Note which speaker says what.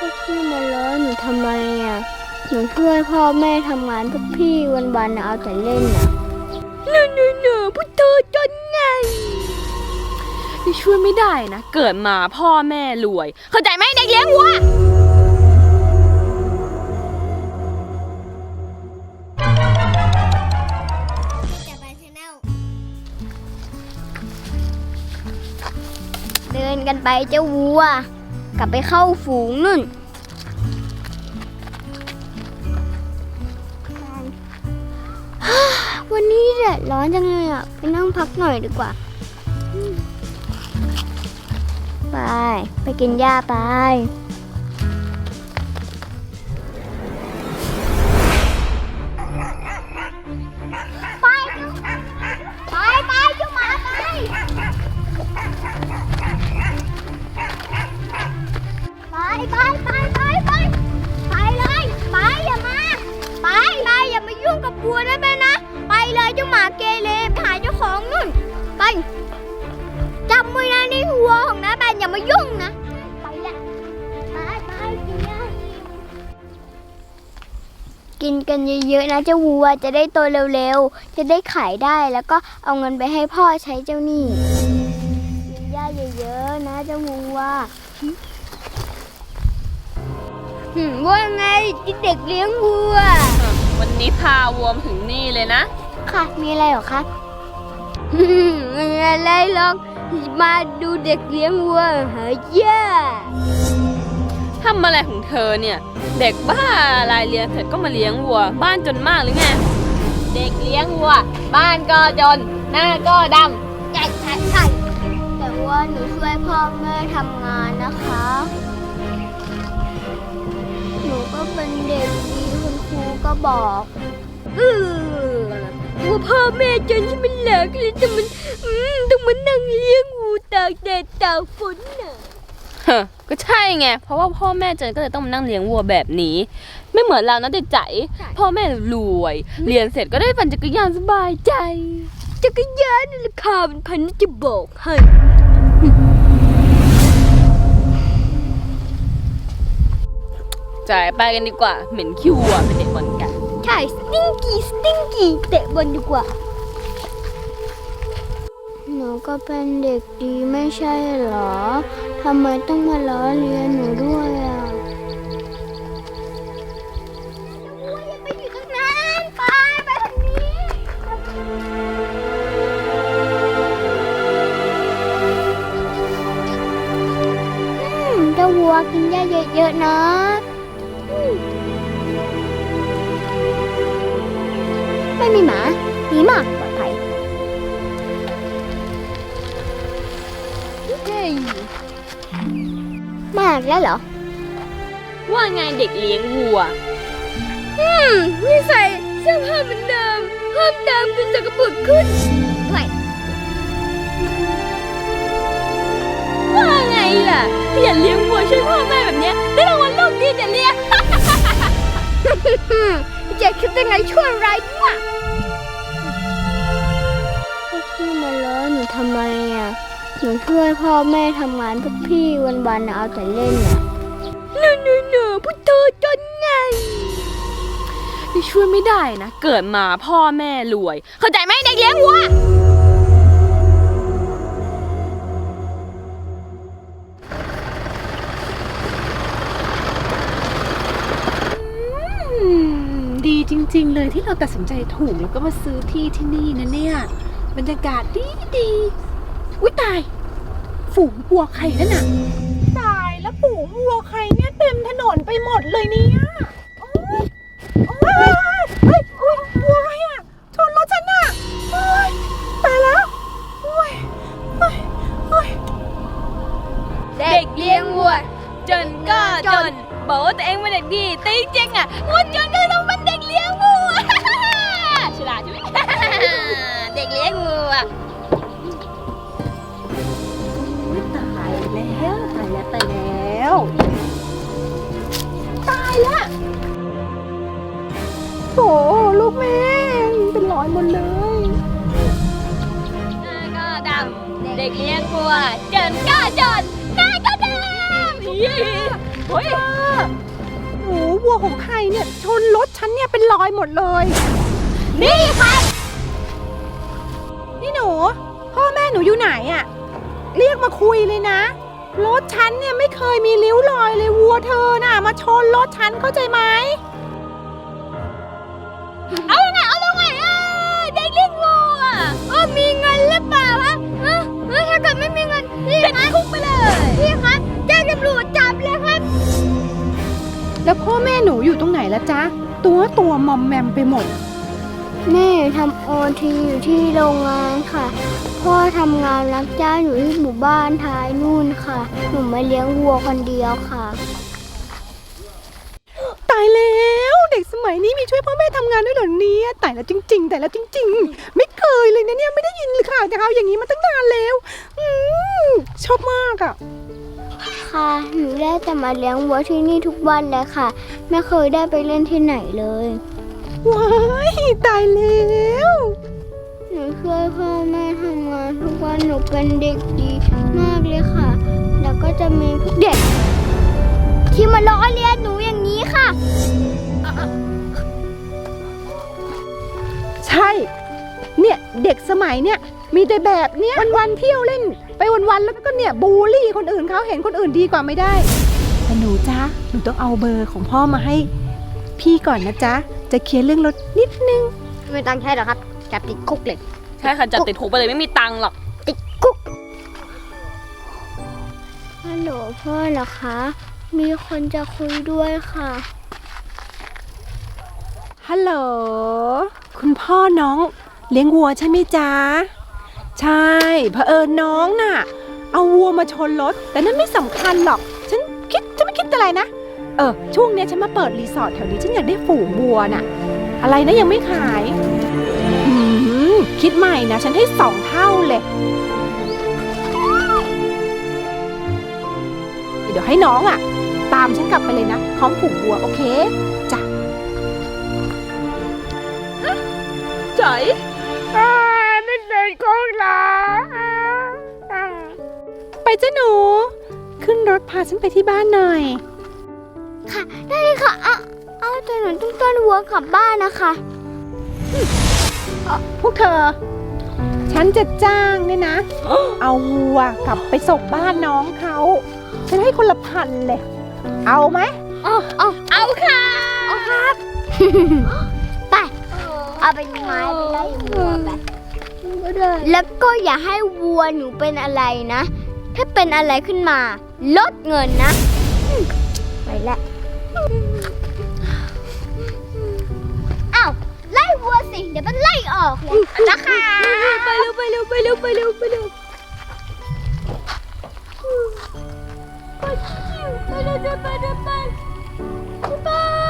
Speaker 1: พี่มาล้อหนูทำไมอ่ะหนูช่วยพ่อแม่ทำงานพวกพี่วันๆเอาแต่เล่นอ่ะหนูพุทโธจนไง
Speaker 2: นี่ช่วยไม่ได้นะ เกิดมาพ่อแม่รวย เข้าใจไหมเด็กเลี้ยงวัว
Speaker 1: เดินกันไปเจ้าวัวกลับไปเข้าฝูงนู่นวันนี้แดดร้อนจังเลยอ่ะไปนั่งพักหน่อยดีกว่าไปกินหญ้าไปไปเจ้าหมาไปเลยอย่ามายุ่งกับวัวได้ไหมนะไปเลยเจ้าหมาเกเรไปหาเจ้าของนู่นไปจำไว้นะนี่วัวของน้าแบนอย่ามายุ่งนะไปละไปกินหญ้ากินกันเยอะๆนะเจ้าวัวจะได้โตเร็วๆจะได้ขายได้แล้วก็เอาเงินไปให้พ่อใช้เจ้าหนี้กินหญ้าเยอะๆนะเจ้าวัวว่าไงเด็กเลี้ยงวัว
Speaker 2: วันนี้พาวัวมาถึงนี่เลยนะ
Speaker 1: ค่ะมีอะไรหรอคะไม่มีอะไรหรอกมาดูเด็กเลี้ยงวัวหาหญ้า
Speaker 2: ทำอะไรของเธอเนี่ยเด็กบ้าอะไรเรียนเสร็จก็มาเลี้ยงวัวบ้านจนมากหรือไงเด็กเลี้ยงวัวบ้านก็จนหน้าก็ดำ
Speaker 1: ใช่แต่ว่าหนูช่วยพ่อแม่ทำงานนะคะหนูก็เป็นเด็กดีคุณครูก็บอกว่าพ่อแม่จนที่มันเหลือเลยแต่มันต้องมานั่งเลี้ยงงูตากแดดตากฝนน่ะ
Speaker 2: ก็ใช่ไงเพราะว่าพ่อแม่จนก็เลยต้องมานั่งเลี้ยงวัวแบบนี้ไม่เหมือนเรานะเด็กใจพ่อแม่รวยเรียนเสร็จก็ได้ปั่นจักรยานสบายใจ
Speaker 1: จักรยานราคาเป็นพันนี่จะบอกให้
Speaker 2: จ่ายไปกันดีกว่าเหม็นขี้วัวเป็นเด็กบอลกัน
Speaker 1: ใช่สติ้งกี้เตะบอลดีกว่าหนูก็เป็นเด็กดีไม่ใช่เหรอทำไมต้องมาล้อเลียนหนูด้วยอ่ะอย่าไปอยู่ตรงนั้นไปทางนี้เจ้าวัวกินหญ้าเยอะๆนะไม่มีหมาดีมากปลอดภัยมากแล้วเหรอ
Speaker 2: ว่าไงเด็กเลี้ยงวัว
Speaker 1: นี่ใส่เสื้อผ้าเหมือนเดิมเพิ่มเติมคือสกปรกขึ้น
Speaker 2: ว่าไงล่ะที่อย่าเลี้ยงวัวช่วยพ่อแม่แบบนี้ได้รางวัลโลกดีแต่เลี้ยง
Speaker 1: จะคิดยังไงช่วยอะไรวะพี่มาล้อหนูทำไมอ่ะหนูช่วยพ่อแม่ทำงานพวกพี่วันๆเอาแต่เล่นอ่ะหนูพุทโธจนไง
Speaker 2: นี่ช่วยไม่ได้นะเกิดมาพ่อแม่รวยเข้าใจไหมเด็กเลี้ยงวัว
Speaker 3: ดีจริงๆเลยที่เราตัดสินใจถูกแล้วก็มาซื้อที่ที่นี่นะเนี่ยบรรยากาศดีอุ๊ยตายฝูงวัวใครนั่นน่ะตายแล้วฝูงวัวใครเนี่ยเต็มถนนไปหมดเลยเนี่ยโอ้ยวัวอะไรอ่ะชนรถฉันน่ะตายแล้ว
Speaker 2: เด็กเลี้ยงวัวจนก็จนบอกว่าตัวเองเป็นเด็กดีแต่จริงๆอ่ะวัวจนก็ต้องเป็นเด็กเลี้ยงวัวฉลาดใช่ไหมเด็กเลี้ยงวัว
Speaker 3: ตายแล้วโถลูกแม่เป็นรอยหมดเลย
Speaker 2: หน้าก็ดำเด็กเลี้ยงวัวจนก็จนหน้าก็ดำเฮ้ย
Speaker 3: โอ้วัวของใครเนี่ยชนรถฉันเนี่ยเป็นรอยหมดเลย
Speaker 1: นี่ครับ
Speaker 3: นี่หนูพ่อแม่หนูอยู่ไหนอะเรียกมาคุยเลยนะรถฉันเนี่ยไม่เคยมีริ้วรอยเลยวัวเธอน่ะมาชนรถฉันเข้าใจไหม
Speaker 1: เอาไงเด็กเลี้ยงวัวมีเงินหรือเปล่าวะถ้าเกิดไม่มีเงินพี่ครับคุกไปเลยพี่ครับแจ้งตำรวจจับเลยครับ
Speaker 3: แล้วพ่อแม่หนูอยู่ตรงไหนละจ๊ะตัวมอมแมมไปหมด
Speaker 1: แม่ทำโอทีอยู่ที่โรงงานค่ะ พ่อทำงานรับจ้างอยู่ที่หมู่บ้านท้ายนู่นค่ะ หนูมาเลี้ยงวัวคนเดียวค่ะ
Speaker 3: ตายแล้วเด็กสมัยนี้มีช่วยพ่อแม่ทำงานด้วยเหรอเนี่ยตายแล้วจริงๆไม่เคยเลยนะเนี่ยไม่ได้ยินเลยค่ะแต่เขาอย่างนี้มาตั้งนานแล้วชอบมากอ่ะ
Speaker 1: ค่ะ หนูได้แต่มาเลี้ยงวัวที่นี่ทุกวันเลยค่ะ ไม่เคยได้ไปเล่นที่ไหนเลย
Speaker 3: ว้ายตายแล้ว
Speaker 1: หนูช่วยพ่อแม่ทำงานทุกวันหนูเป็นเด็กดีมากเลยค่ะ แล้วก็จะมีพวกเด็ก ที่มาล้อเลียนหนูอย่างนี้ค่ะ
Speaker 3: ใช่เนี่ยเด็กสมัยเนี่ยมีแต่แบบเนี้ยวันๆเที่ยวเล่นไปวันๆแล้วก็เนี่ยบูลลี่คนอื่นเขาเห็นคนอื่นดีกว่าไม่ได้แต่หนูจ๊ะหนูต้องเอาเบอร์ของพ่อมาให้พี่ก่อนนะจ๊ะจะเคลียร์เรื่องรถนิดนึง
Speaker 1: ไม่ตังค์ใช่หรอครับจับติดคุกเลย
Speaker 2: ใช่ค่ะจับติดคุกไปเลยไม่มีตังค์หรอก
Speaker 1: ติดคุกฮัลโหลพ่อเหรอคะ มีคนจะคุยด้วยค่ะ
Speaker 3: ฮัลโหลคุณพ่อน้องเลี้ยงวัวใช่ไหมจ๊ะใช่เผอิญน้องน่ะเอาวัวมาชนรถแต่นั่นไม่สำคัญหรอกฉันไม่คิดอะไรนะช่วงเนี้ยฉันมาเปิดรีสอร์ทแถวนี้ฉันอยากได้ฝูงวัวน่ะอะไรนะยังไม่ขายคิดใหม่นะฉันให้2 เท่าเลยเดี๋ยวให้น้องอ่ะตามฉันกลับไปเลยนะพร้อมฝูงวัวโอเคจ้ะ
Speaker 2: จ๋อย
Speaker 3: ไม่เป็นของเราไปจ้ะหนูขึ้นรถพาฉันไปที่บ้านหน่อย
Speaker 1: ค่ะ ได้เลยค่ะเอาแต่หนูต้องต้อนวัวกลับบ้านนะคะ
Speaker 3: พวกเธอ ฉันจะจ้างเนี่ยนะ เอาวัวกลับไปส่งบ้านน้องเขาฉันให้คนละ1,000เลย เอาไหม
Speaker 1: เอาค่ะ เอาครับ ไป เอาเป็นไม้ไปไล่วัวไปแล้วก็อย่าให้วัวหนูเป็นอะไรนะ ถ้าเป็นอะไรขึ้นมา ลดเงินนะ ไปแล้วอ้าวไล่วัวสิ เดี๋ยวมันไล่ออกเลยนะคะไปเร็วไปเร็วไปเร็วไปเร็วไปเร็วไปเร็วไปเร็วไปเร็วไป